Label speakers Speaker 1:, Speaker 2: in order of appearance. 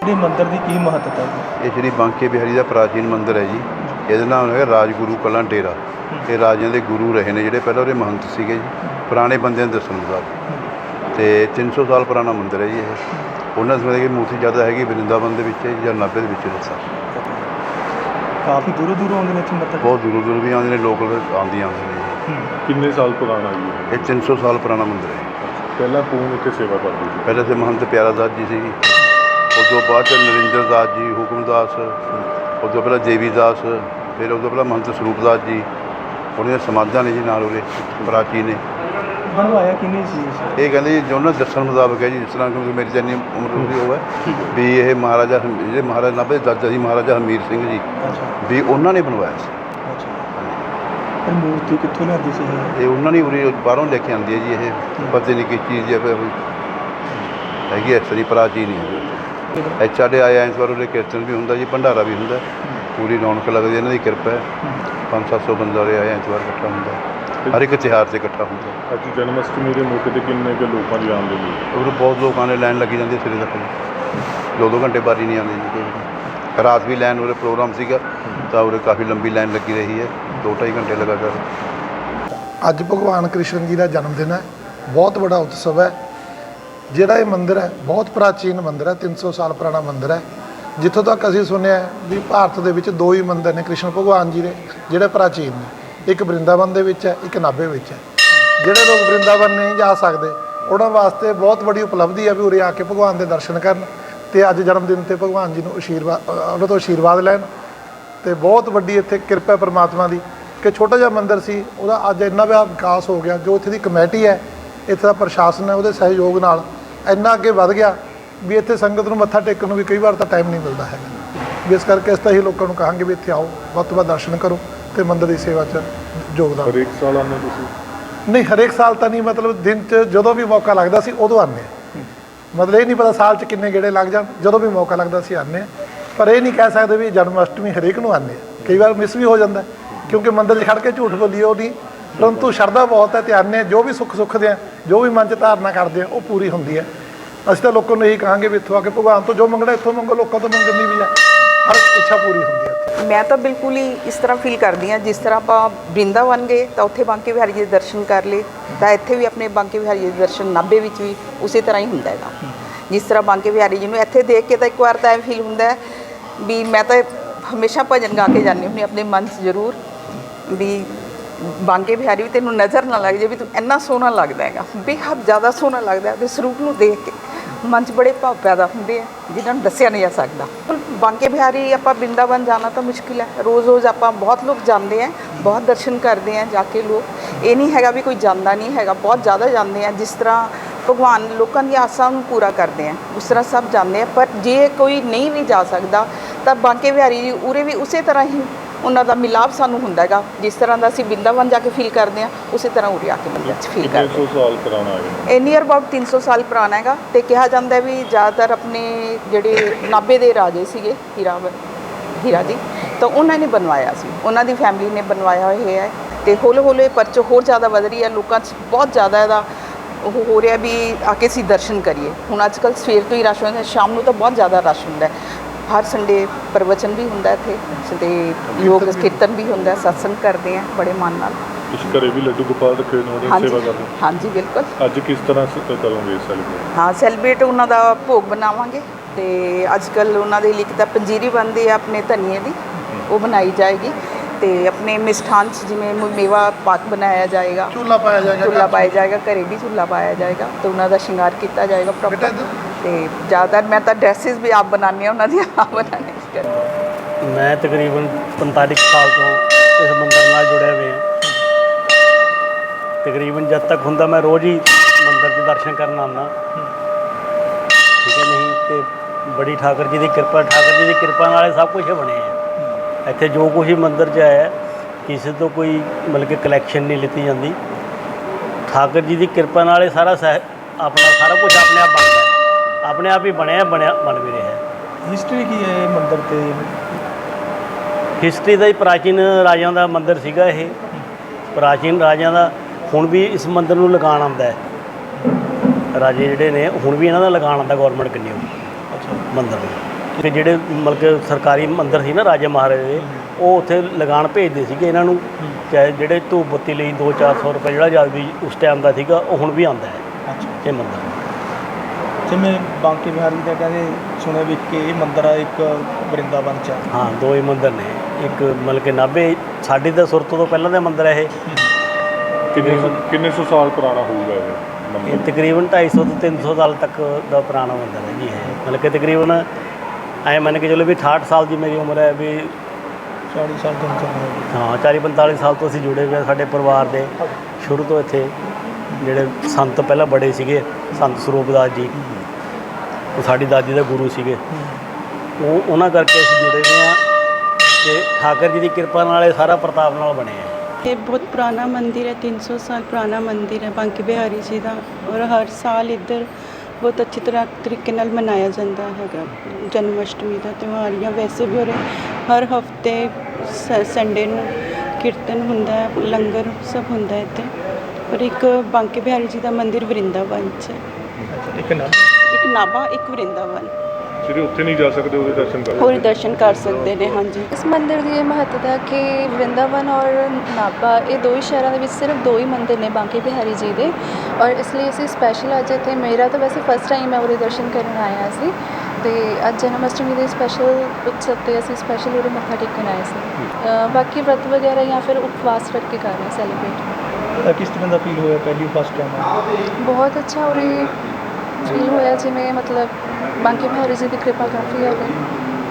Speaker 1: ਇਹ ਮੰਦਿਰ ਦੀ ਕੀ ਮਹੱਤਤਾ ਹੈ?
Speaker 2: ਇਹ ਸ਼੍ਰੀ ਬਾਂਕੇ ਬਿਹਾਰੀ ਦਾ ਪ੍ਰਾਚੀਨ ਮੰਦਿਰ ਹੈ ਜੀ। ਇਹਦਾ ਨਾਮ ਹੈਗਾ ਰਾਜਗੁਰੂ ਕਲਾਂ ਡੇਰਾ। ਇਹ ਰਾਜਿਆਂ ਦੇ ਗੁਰੂ ਰਹੇ ਨੇ ਜਿਹੜੇ ਪਹਿਲਾਂ ਉਹਦੇ ਮਹੰਤ ਸੀਗੇ ਜੀ, ਪੁਰਾਣੇ ਬੰਦਿਆਂ ਦੇ ਦੱਸਣ ਮੁਤਾਬਕ। ਅਤੇ 300 ਸਾਲ ਪੁਰਾਣਾ ਮੰਦਿਰ ਹੈ ਜੀ ਇਹ। ਉਹਨਾਂ ਸਮੇਂ ਦੀ ਮੂਰਤੀ ਜ਼ਿਆਦਾ ਹੈਗੀ ਵਰਿੰਦਾਵਨ ਦੇ ਵਿੱਚ ਜਾਂ ਨਾਭੇ ਦੇ ਵਿੱਚ ਦੱਸਾਂ।
Speaker 1: ਕਾਫੀ ਦੂਰੋਂ ਦੂਰੋਂ ਆਉਂਦੇ ਨੇ ਇੱਥੇ ਮੱਥਾ?
Speaker 2: ਬਹੁਤ ਦੂਰੋਂ ਦੂਰੋਂ ਵੀ ਆਉਂਦੇ ਨੇ, ਲੋਕਲ ਆਉਂਦੇ ਨੇ ਜੀ।
Speaker 3: ਕਿੰਨੇ ਸਾਲ ਪੁਰਾਣਾ ਜੀ
Speaker 2: ਇਹ 300 ਸਾਲ ਪੁਰਾਣਾ ਮੰਦਿਰ ਹੈ।
Speaker 3: ਪਹਿਲਾਂ ਕੌਣ ਇੱਥੇ ਸੇਵਾ ਕਰਦੇ ਸੀ?
Speaker 2: ਪਹਿਲੇ ਤੇ ਮਹੰਤ ਪਿਆਰਾ ਦਾਸ ਜੀ ਸੀ, ਉਸ ਤੋਂ ਬਾਅਦ 'ਚ ਨਰਿੰਦਰ ਦਾਸ ਜੀ, ਹੁਕਮਦਾਸ, ਉਸ ਤੋਂ ਪਹਿਲਾਂ ਦੇਵੀ ਦਾਸ, ਫਿਰ ਉਸ ਤੋਂ ਪਹਿਲਾਂ ਮਹੰਤ ਸਰੂਪ ਦਾਸ ਜੀ। ਉਹਦੀਆਂ ਸਮਾਧਾਂ ਨੇ ਜੀ ਨਾਲ ਉਹਦੇ ਪ੍ਰਾਚੀਨ ਨੇ।
Speaker 1: ਬਣਵਾਇਆ ਕਿੰਨੇ ਸੀ?
Speaker 2: ਇਹ ਕਹਿੰਦੇ ਜੀ ਜੋ ਉਹਨਾਂ ਦੱਸਣ ਮੁਤਾਬਕ ਹੈ ਜੀ, ਜਿਸ ਤਰ੍ਹਾਂ ਕਿਉਂਕਿ ਮੇਰੀ ਤਾਂ ਇੰਨੀ ਉਮਰ ਦੀ ਉਹ ਹੈ ਵੀ ਇਹ ਮਹਾਰਾਜਾ ਜਿਹੜੇ ਮਹਾਰਾਜਾ ਨਾਭੇ ਦੇ ਦਾਦਾ ਜੀ ਮਹਾਰਾਜਾ ਹਮੀਰ ਸਿੰਘ ਜੀ ਵੀ ਉਹਨਾਂ ਨੇ ਬਣਵਾਇਆ ਸੀ।
Speaker 1: ਇਹ ਮੂਰਤੀ ਕਿੱਥੋਂ ਲਿਆਂਦੀ ਸੀ?
Speaker 2: ਇਹ ਉਹਨਾਂ ਨੇ ਉਰੇ ਬਾਹਰੋਂ ਲੈ ਕੇ ਆਉਂਦੀ ਹੈ ਜੀ। ਇਹ ਪਤਾ ਨਹੀਂ ਕਿਸ ਚੀਜ਼ ਹੈ, ਹੈਗੀ ਇਸ ਤਰ੍ਹਾਂ ਪ੍ਰਾਚੀਨ ਹੀ ਹੈ। ਸਾਡੇ ਆਏ ਐਤਵਾਰ ਉਰੇ ਕੀਰਤਨ ਵੀ ਹੁੰਦਾ ਜੀ, ਭੰਡਾਰਾ ਵੀ ਹੁੰਦਾ, ਪੂਰੀ ਰੌਣਕ ਲੱਗਦੀ, ਇਹਨਾਂ ਦੀ ਕਿਰਪਾ ਹੈ। 500-700 ਬੰਦਾ ਉਰੇ ਆਏ ਐਤਵਾਰ ਇਕੱਠਾ ਹੁੰਦਾ, ਹਰ ਇੱਕ ਤਿਉਹਾਰ 'ਤੇ ਇਕੱਠਾ ਹੁੰਦਾ।
Speaker 3: ਅੱਜ ਜਨਮ ਅਸ਼ਟਮੀ ਦੇ ਮੌਕੇ 'ਤੇ ਕਿੰਨੇ ਕੁ ਲੋਕਾਂ ਦੀ ਆਮਦਨੀ?
Speaker 2: ਉਰੇ ਬਹੁਤ ਲੋਕਾਂ ਨੇ ਲਾਈਨ ਲੱਗੀ ਜਾਂਦੀ ਸਿਰੇ ਤੱਕ ਜੀ। 2-2 ਘੰਟੇ ਬਾਰੀ ਨਹੀਂ ਆਉਂਦੀ ਜੀ। ਰਾਤ ਵੀ ਲਾਈਨ ਉਰੇ ਪ੍ਰੋਗਰਾਮ ਸੀਗਾ ਤਾਂ ਉਰੇ ਕਾਫੀ ਲੰਬੀ ਲਾਈਨ ਲੱਗੀ ਰਹੀ ਹੈ, 2-2.5 ਘੰਟੇ ਲਗਾਤਾਰ।
Speaker 4: ਅੱਜ ਭਗਵਾਨ ਕ੍ਰਿਸ਼ਨ ਜੀ ਦਾ ਜਨਮ ਦਿਨ ਹੈ। ਬਹੁਤ ਵੱਡਾ ਉਤਸਵ ਹੈ। ਜਿਹੜਾ ਇਹ ਮੰਦਿਰ ਹੈ ਬਹੁਤ ਪ੍ਰਾਚੀਨ ਮੰਦਿਰ ਹੈ, 300 ਸਾਲ ਪੁਰਾਣਾ ਮੰਦਿਰ ਹੈ। ਜਿੱਥੋਂ ਤੱਕ ਅਸੀਂ ਸੁਣਿਆ ਵੀ ਭਾਰਤ ਦੇ ਵਿੱਚ 2 ਹੀ ਮੰਦਿਰ ਨੇ ਕ੍ਰਿਸ਼ਨ ਭਗਵਾਨ ਜੀ ਦੇ ਜਿਹੜੇ ਪ੍ਰਾਚੀਨ ਨੇ। ਇੱਕ ਵਰਿੰਦਾਵਨ ਦੇ ਵਿੱਚ ਹੈ, ਇੱਕ ਨਾਭੇ ਵਿੱਚ ਹੈ। ਜਿਹੜੇ ਲੋਕ ਵਰਿੰਦਾਵਨ ਨਹੀਂ ਜਾ ਸਕਦੇ ਉਹਨਾਂ ਵਾਸਤੇ ਬਹੁਤ ਵੱਡੀ ਉਪਲਬਧੀ ਹੈ ਵੀ ਉਰੇ ਆ ਕੇ ਭਗਵਾਨ ਦੇ ਦਰਸ਼ਨ ਕਰਨ ਅਤੇ ਅੱਜ ਜਨਮ ਦਿਨ 'ਤੇ ਭਗਵਾਨ ਜੀ ਨੂੰ ਉਹਨਾਂ ਤੋਂ ਆਸ਼ੀਰਵਾਦ ਲੈਣ। ਅਤੇ ਬਹੁਤ ਵੱਡੀ ਇੱਥੇ ਕਿਰਪਾ ਪਰਮਾਤਮਾ ਦੀ ਕਿ ਛੋਟਾ ਜਿਹਾ ਮੰਦਿਰ ਸੀ, ਉਹਦਾ ਅੱਜ ਇੰਨਾ ਵਿਕਾਸ ਹੋ ਗਿਆ। ਜੋ ਇੱਥੇ ਦੀ ਕਮੇਟੀ ਹੈ, ਇੱਥੇ ਦਾ ਪ੍ਰਸ਼ਾਸਨ ਹੈ, ਉਹਦੇ ਸਹਿਯੋਗ ਨਾਲ ਇੰਨਾ ਅੱਗੇ ਵੱਧ ਗਿਆ ਵੀ ਇੱਥੇ ਸੰਗਤ ਨੂੰ ਮੱਥਾ ਟੇਕਣ ਨੂੰ ਵੀ ਕਈ ਵਾਰ ਤਾਂ ਟਾਈਮ ਨਹੀਂ ਮਿਲਦਾ ਹੈਗਾ। ਵੀ ਇਸ ਕਰਕੇ ਅਸੀਂ ਤਾਂ ਹੀ ਲੋਕਾਂ ਨੂੰ ਕਹਾਂਗੇ ਵੀ ਇੱਥੇ ਆਓ, ਵੱਧ ਤੋਂ ਵੱਧ ਦਰਸ਼ਨ ਕਰੋ ਅਤੇ ਮੰਦਿਰ ਦੀ ਸੇਵਾ 'ਚ ਯੋਗਦਾਨ।
Speaker 3: ਹਰੇਕ ਸਾਲ ਆਉਂਦੇ ਤੁਸੀਂ?
Speaker 4: ਨਹੀਂ, ਹਰੇਕ ਸਾਲ ਤਾਂ ਨਹੀਂ, ਮਤਲਬ ਦਿਨ 'ਚ ਜਦੋਂ ਵੀ ਮੌਕਾ ਲੱਗਦਾ ਸੀ ਉਦੋਂ ਆਉਂਦੇ ਹਾਂ। ਮਤਲਬ ਇਹ ਨਹੀਂ ਪਤਾ ਸਾਲ 'ਚ ਕਿੰਨੇ ਗੇੜੇ ਲੱਗ ਜਾਣ, ਜਦੋਂ ਵੀ ਮੌਕਾ ਲੱਗਦਾ ਅਸੀਂ ਆਉਂਦੇ ਹਾਂ। ਪਰ ਇਹ ਨਹੀਂ ਕਹਿ ਸਕਦੇ ਵੀ ਜਨਮ ਅਸ਼ਟਮੀ ਹਰੇਕ ਨੂੰ ਆਉਂਦੇ ਹਾਂ। ਕਈ ਵਾਰ ਮਿਸ ਵੀ ਹੋ ਜਾਂਦਾ ਕਿਉਂਕਿ ਮੰਦਿਰ 'ਚ ਖੜ੍ਹ ਕੇ ਝੂਠ ਬੋਲੀਏ ਉਹ ਨਹੀਂ, ਪਰੰਤੂ ਸ਼ਰਧਾ ਬਹੁਤ ਹੈ ਅਤੇ ਆਉਂਦੇ ਹਾਂ। ਜੋ ਵੀ ਸੁੱਖ ਸੁੱਖਦੇ ਆ, ਜੋ ਵੀ ਮਨ 'ਚ ਧਾਰਨਾ ਕਰਦੇ ਆ ਉਹ ਪੂਰੀ ਹੁੰਦੀ ਹੈ। ਅਸੀਂ ਤਾਂ ਲੋਕਾਂ ਨੂੰ ਇਹੀ ਕਹਾਂਗੇ ਵੀ ਇੱਥੋਂ ਆ ਕੇ ਭਗਵਾਨ ਤੋਂ ਜੋ ਮੰਗਣਾ ਇੱਥੋਂ ਮੰਗੋ, ਲੋਕਾਂ ਤੋਂ ਮੰਗਣ ਦੀ ਵੀ ਹੈ, ਹਰ ਇੱਛਾ ਪੂਰੀ ਹੁੰਦੀ ਹੈ।
Speaker 5: ਮੈਂ ਤਾਂ ਬਿਲਕੁਲ ਹੀ ਇਸ ਤਰ੍ਹਾਂ ਫੀਲ ਕਰਦੀ ਹਾਂ ਜਿਸ ਤਰ੍ਹਾਂ ਆਪਾਂ ਬ੍ਰਿੰਦਾਵਨ ਗਏ ਤਾਂ ਉੱਥੇ ਬਾਂਕੇ ਬਿਹਾਰੀ ਜੀ ਦੇ ਦਰਸ਼ਨ ਕਰ ਲਏ, ਤਾਂ ਇੱਥੇ ਵੀ ਆਪਣੇ ਬਾਂਕੇ ਬਿਹਾਰੀ ਜੀ ਦੇ ਦਰਸ਼ਨ ਨਾਭੇ ਵਿੱਚ ਵੀ ਉਸੇ ਤਰ੍ਹਾਂ ਹੀ ਹੁੰਦਾ ਹੈਗਾ। ਜਿਸ ਤਰ੍ਹਾਂ ਬਾਂਕੇ ਬਿਹਾਰੀ ਜੀ ਨੂੰ ਇੱਥੇ ਦੇਖ ਕੇ ਤਾਂ ਇੱਕ ਵਾਰ ਤਾਂ ਇਹ ਫੀਲ ਹੁੰਦਾ ਹੈ ਵੀ ਮੈਂ ਤਾਂ ਹਮੇਸ਼ਾ ਭਜਨ ਗਾ ਕੇ ਜਾਂਦੀ ਹੁੰਦੀ ਆਪਣੇ ਮਨ 'ਚ ਜ਼ਰੂਰ ਵੀ ਬਾਂਕੇ ਬਿਹਾਰੀ ਵੀ ਤੈਨੂੰ ਨਜ਼ਰ ਨਾ ਲੱਗ ਜਾਏ ਵੀ ਤੂੰ ਇੰਨਾ ਸੋਹਣਾ ਲੱਗਦਾ ਹੈਗਾ, ਬੇਹੱਦ ਜ਼ਿਆਦਾ ਸੋਹਣਾ ਲੱਗਦਾ। ਤੇ ਸਰੂਪ ਨੂੰ ਦੇਖ ਕੇ ਮਨ 'ਚ ਬੜੇ ਭਾਵ ਪੈਦਾ ਹੁੰਦੇ ਆ ਜਿਨ੍ਹਾਂ ਨੂੰ ਦੱਸਿਆ ਨਹੀਂ ਜਾ ਸਕਦਾ। ਬਾਂਕੇ ਬਿਹਾਰੀ ਆਪਾਂ ਬ੍ਰਿੰਦਾਵਨ ਜਾਣਾ ਤਾਂ ਮੁਸ਼ਕਿਲ ਹੈ। ਰੋਜ਼ ਆਪਾਂ ਬਹੁਤ ਲੋਕ ਜਾਂਦੇ ਆ, ਬਹੁਤ ਦਰਸ਼ਨ ਕਰਦੇ ਆ ਜਾ ਕੇ ਲੋਕ। ਇਹ ਨਹੀਂ ਹੈਗਾ ਵੀ ਕੋਈ ਜਾਂਦਾ ਨਹੀਂ ਹੈਗਾ, ਬਹੁਤ ਜ਼ਿਆਦਾ ਜਾਂਦੇ ਆ। ਜਿਸ ਤਰ੍ਹਾਂ ਭਗਵਾਨ ਲੋਕਾਂ ਦੀ ਆਸਾਂ ਨੂੰ ਪੂਰਾ ਕਰਦੇ ਆ ਉਸ ਤਰ੍ਹਾਂ ਸਭ ਜਾਂਦੇ ਆ। ਪਰ ਜੇ ਕੋਈ ਨਹੀਂ ਵੀ ਜਾ ਸਕਦਾ ਤਾਂ ਬਾਂਕੇ ਬਿਹਾਰੀ ਜੀ ਉਰੇ ਵੀ ਉਸੇ ਤਰ੍ਹਾਂ ਹੀ ਉਹਨਾਂ ਦਾ ਮਿਲਾਪ ਸਾਨੂੰ ਹੁੰਦਾ ਹੈਗਾ। ਜਿਸ ਤਰ੍ਹਾਂ ਦਾ ਅਸੀਂ ਬ੍ਰਿੰਦਾਵਨ ਜਾ ਕੇ ਫੀਲ ਕਰਦੇ ਹਾਂ ਉਸੇ ਤਰ੍ਹਾਂ ਉਰੇ ਆ ਕੇ ਮੰਦਿਰ 'ਚ ਫੀਲ ਕਰਦੇ।
Speaker 3: 300 ਸਾਲ ਪੁਰਾਣਾ ਹੈ
Speaker 5: ਇਹ ਨੀਅਰ ਅਬਾਊਟ 300 ਸਾਲ ਪੁਰਾਣਾ ਹੈਗਾ। ਅਤੇ ਕਿਹਾ ਜਾਂਦਾ ਵੀ ਜ਼ਿਆਦਾਤਰ ਆਪਣੇ ਜਿਹੜੇ ਨਾਭੇ ਦੇ ਰਾਜੇ ਸੀਗੇ ਹੀਰਾ ਜੀ, ਤਾਂ ਉਹਨਾਂ ਨੇ ਬਣਵਾਇਆ ਸੀ, ਉਹਨਾਂ ਦੀ ਫੈਮਿਲੀ ਨੇ ਬਣਵਾਇਆ ਹੋਇਆ ਹੈ। ਅਤੇ ਹੌਲੇ ਹੌਲੇ ਪਰਚ ਹੋਰ ਜ਼ਿਆਦਾ ਵਧ ਰਹੀ ਹੈ, ਲੋਕਾਂ 'ਚ ਬਹੁਤ ਜ਼ਿਆਦਾ ਇਹਦਾ ਉਹ ਹੋ ਰਿਹਾ ਵੀ ਆ ਕੇ ਅਸੀਂ ਦਰਸ਼ਨ ਕਰੀਏ। ਹੁਣ ਅੱਜ ਕੱਲ੍ਹ ਸਵੇਰ ਤੋਂ ਹੀ ਰਸ਼ ਹੁੰਦਾ, ਸ਼ਾਮ ਨੂੰ ਤਾਂ ਬਹੁਤ ਜ਼ਿਆਦਾ ਰਸ਼ ਹੁੰਦਾ। ਹਰ ਸੰਡੇ ਪ੍ਰਵਚਨ ਵੀ ਹੁੰਦਾ ਇੱਥੇ ਅਤੇ ਯੋਗ ਕੀਰਤਨ ਵੀ ਹੁੰਦਾ, ਸਤਸੰਗ ਕਰਦੇ ਆ ਬੜੇ ਮਨ ਨਾਲ।
Speaker 3: ਤੁਸੀਂ ਘਰੇ ਵੀ ਲੱਡੂ ਗੋਪਾਲ ਰੱਖੇ ਨੇ, ਉਹਦੀ ਸੇਵਾ ਕਰਦੇ?
Speaker 5: ਹਾਂਜੀ ਬਿਲਕੁਲ।
Speaker 3: ਅੱਜ ਕਿਸ ਤਰ੍ਹਾਂ ਕਰੋਗੇ ਸੈਲੀਬ੍ਰੇਟ?
Speaker 5: ਹਾਂ, ਸੈਲੀਬ੍ਰੇਟ ਉਹਨਾਂ ਦਾ ਭੋਗ ਬਣਾਵਾਂਗੇ ਅਤੇ ਅੱਜ ਕੱਲ੍ਹ ਉਹਨਾਂ ਦੇ ਲਈ ਇੱਕ ਤਾਂ ਪੰਜੀਰੀ ਬਣਦੀ ਹੈ ਆਪਣੇ ਧਨੀਏ ਦੀ, ਉਹ ਬਣਾਈ ਜਾਏਗੀ। ਅਤੇ ਆਪਣੇ ਮਿਸ਼ਠਾਨ 'ਚ ਜਿਵੇਂ ਮੇਵਾ ਪਾਕ ਬਣਾਇਆ ਜਾਏਗਾ,
Speaker 4: ਚੂਲਾ ਪਾਇਆ
Speaker 5: ਜਾਏਗਾ, ਘਰੇ ਵੀ ਚੂਲਾ ਪਾਇਆ ਜਾਏਗਾ ਅਤੇ ਉਹਨਾਂ ਦਾ ਸ਼ਿੰਗਾਰ ਕੀਤਾ ਜਾਏਗਾ ਪ੍ਰੋਪਰ। ਅਤੇ ਜ਼ਿਆਦਾਤਰ ਮੈਂ ਤਾਂ ਡਰੈਸਿਸ ਵੀ ਆਪ ਬਣਾਉਂਦੀ ਹਾਂ ਉਹਨਾਂ ਦੀਆਂ, ਆਪ ਬਣਾਉਣੇ।
Speaker 6: ਮੈਂ ਤਕਰੀਬਨ 45 ਸਾਲ ਤੋਂ ਇਸ ਮੰਦਿਰ ਨਾਲ ਜੁੜਿਆ ਹੋਇਆ। ਤਕਰੀਬਨ ਜਦ ਤੱਕ ਹੁੰਦਾ ਮੈਂ ਰੋਜ਼ ਹੀ ਮੰਦਿਰ ਦੇ ਦਰਸ਼ਨ ਕਰਨ ਆਉਂਦਾ, ਠੀਕ ਹੈ ਨਹੀਂ। ਅਤੇ ਬੜੀ ਠਾਕਰ ਜੀ ਦੀ ਕਿਰਪਾ ਨਾਲ ਇਹ ਸਭ ਕੁਛ ਬਣਿਆ। ਇੱਥੇ ਜੋ ਕੁਛ ਹੀ ਮੰਦਿਰ 'ਚ ਆਇਆ ਕਿਸੇ ਤੋਂ ਕੋਈ ਮਤਲਬ ਕਿ ਕਲੈਕਸ਼ਨ ਨਹੀਂ ਲਿੱਤੀ ਜਾਂਦੀ। ਠਾਕਰ ਜੀ ਦੀ ਕਿਰਪਾ ਨਾਲ ਇਹ ਸਾਰਾ ਆਪਣਾ ਸਾਰਾ ਕੁਛ ਆਪਣੇ ਆਪ ਬਣਦਾ, ਆਪਣੇ ਆਪ ਹੀ ਬਣ ਵੀ ਰਿਹਾ।
Speaker 1: ਹਿਸਟਰੀ ਕੀ ਹੈ ਇਹ ਮੰਦਿਰ 'ਤੇ?
Speaker 6: ਹਿਸਟਰੀ ਦਾ ਹੀ ਪ੍ਰਾਚੀਨ ਰਾਜਿਆਂ ਦਾ ਮੰਦਿਰ ਸੀਗਾ ਇਹ, ਪ੍ਰਾਚੀਨ ਰਾਜਿਆਂ ਦਾ। ਹੁਣ ਵੀ ਇਸ ਮੰਦਿਰ ਨੂੰ ਲਗਾਉਣ ਆਉਂਦਾ ਹੈ, ਰਾਜੇ ਜਿਹੜੇ ਨੇ ਹੁਣ ਵੀ ਇਹਨਾਂ ਦਾ ਲਗਾਉਣ ਆਉਂਦਾ ਗੌਰਮੈਂਟ ਕਿੰਨੀ ਮੰਦਿਰ ਨੂੰ। ਕਿ ਜਿਹੜੇ ਮਤਲਬ ਕਿ ਸਰਕਾਰੀ ਮੰਦਰ ਸੀ ਨਾ ਰਾਜੇ ਮਹਾਰਾਜੇ ਦੇ, ਉਹ ਉੱਥੇ ਲਗਾਨ ਭੇਜਦੇ ਸੀਗੇ ਇਹਨਾਂ ਨੂੰ, ਚਾਹੇ ਜਿਹੜੇ ਧੂਪ ਬੱਤੀ ਲਈ 200-400 ਰੁਪਏ ਜਿਹੜਾ ਜਦ ਵੀ ਉਸ ਟਾਈਮ ਦਾ ਸੀਗਾ, ਉਹ ਹੁਣ ਵੀ ਆਉਂਦਾ ਹੈ
Speaker 1: ਅੱਛਾ।
Speaker 6: ਇਹ ਮੰਦਰ।
Speaker 1: ਜਿਵੇਂ ਬਾਂਕੇ ਬਿਹਾਰੀ ਦਾ ਕਹਿੰਦੇ ਸੁਣਿਆ ਵੀ ਕਿ ਇਹ ਮੰਦਰ ਆ ਇੱਕ ਵਰਿੰਦਾਵਨ ਚ ਆ।
Speaker 6: ਹਾਂ, ਦੋ ਹੀ ਮੰਦਰ ਨੇ, ਇੱਕ ਮਤਲਬ ਕਿ ਨਾਭੇ ਸਾਡੀ ਤਾਂ ਸੁਰਤ ਤੋਂ ਪਹਿਲਾਂ ਦਾ ਮੰਦਰ ਹੈ ਇਹ।
Speaker 3: ਕਿੰਨੇ ਸੌ ਸਾਲ ਪੁਰਾਣਾ ਹੋਊਗਾ ਇਹ
Speaker 6: ਇਹ
Speaker 3: ਮੰਦਿਰ?
Speaker 6: ਤਕਰੀਬਨ 250 ਤੋਂ 300 ਸਾਲ ਤੱਕ ਦਾ ਪੁਰਾਣਾ ਮੰਦਰ ਹੈ ਜੀ ਇਹ। ਮਤਲਬ ਕਿ ਤਕਰੀਬਨ ਐਂ ਮੰਨ ਕੇ ਚਲੋ ਵੀ 68 ਸਾਲ ਦੀ ਮੇਰੀ ਉਮਰ ਹੈ ਵੀ।
Speaker 1: 40 ਸਾਲ ਤੋਂ ਚੱਲ
Speaker 6: ਹਾਂ, 40-45 ਸਾਲ ਤੋਂ ਅਸੀਂ ਜੁੜੇ ਹੋਏ ਹਾਂ ਸਾਡੇ ਪਰਿਵਾਰ ਦੇ ਸ਼ੁਰੂ ਤੋਂ ਇੱਥੇ। ਜਿਹੜੇ ਸੰਤ ਪਹਿਲਾਂ ਬੜੇ ਸੀਗੇ, ਸੰਤ ਸਰੂਪਦਾਸ ਜੀ, ਉਹ ਸਾਡੀ ਦਾਦੀ ਦੇ ਗੁਰੂ ਸੀਗੇ, ਉਹਨਾਂ ਕਰਕੇ ਅਸੀਂ ਜੁੜੇ ਹੋਏ ਹਾਂ ਤੇ ਠਾਕਰ ਜੀ ਦੀ ਕਿਰਪਾ ਨਾਲ ਇਹ ਸਾਰਾ ਪ੍ਰਤਾਪ ਨਾਲ ਬਣਿਆ ਹੈ।
Speaker 7: ये बहुत पुराना मंदिर है, 300 साल पुराना मंदिर है बांके बिहारी जी का। और हर साल इधर बहुत अच्छी तरीके नाल मनाया जाता है जन्माष्टमी का त्यौहार। या वैसे भी और हर हफ्ते संडे नूं कीर्तन हुंदा है, लंगर सब हुंदा है इत्थे। और एक बांके बिहारी जी का मंदिर वरिंदावन च है, एक नाभा एक वरिंदावन।
Speaker 3: ਜਿਹੜੇ ਉੱਥੇ ਨਹੀਂ ਜਾ ਸਕਦੇ ਉਹਦੇ ਦਰਸ਼ਨ ਕਰ
Speaker 7: ਹੋਰ ਦਰਸ਼ਨ ਕਰ ਸਕਦੇ ਨੇ। ਹਾਂਜੀ,
Speaker 8: ਇਸ ਮੰਦਿਰ ਦੀ ਇਹ ਮਹੱਤਤਾ ਕਿ ਵਰਿੰਦਾਵਨ ਔਰ ਨਾਭਾ ਇਹ ਦੋ ਹੀ ਸ਼ਹਿਰਾਂ ਦੇ ਵਿੱਚ ਸਿਰਫ ਦੋ ਹੀ ਮੰਦਿਰ ਨੇ ਬਾਂਕੇ ਬਿਹਾਰੀ ਜੀ ਦੇ। ਔਰ ਇਸ ਲਈ ਅਸੀਂ ਸਪੈਸ਼ਲ ਅੱਜ ਇੱਥੇ, ਮੇਰਾ ਤਾਂ ਵੈਸੇ ਫਸਟ ਟਾਈਮ ਮੈਂ ਉਹਦੇ ਦਰਸ਼ਨ ਕਰਨ ਆਇਆ ਸੀ, ਅਤੇ ਅੱਜ ਜਨਮ ਅਸ਼ਟਮੀ ਦੇ ਸਪੈਸ਼ਲ ਉਤਸਵ 'ਤੇ ਅਸੀਂ ਸਪੈਸ਼ਲ ਉਹਦੇ ਮੱਥਾ ਟੇਕਣ ਆਏ ਸੀ। ਬਾਕੀ ਵਰਤ ਵਗੈਰਾ ਜਾਂ ਫਿਰ ਉਪਵਾਸ ਰੱਖ ਕੇ ਕਰ ਰਹੇ ਸੈਲੀਬ੍ਰੇਟ।
Speaker 1: ਕਿਸ ਤਰ੍ਹਾਂ ਦਾ ਫੀਲ ਹੋਇਆ ਪਹਿਲੀ ਫਸਟ ਟਾਈਮ?
Speaker 8: ਬਹੁਤ ਅੱਛਾ ਉਰੇ ਫੀਲ ਹੋਇਆ, ਜਿਵੇਂ ਮਤਲਬ ਬਾਂਕੇ ਬਿਹਾਰੀ ਜੀ ਦੀ ਕਿਰਪਾ ਕਾਫੀ ਹੈ ਉਰੇ।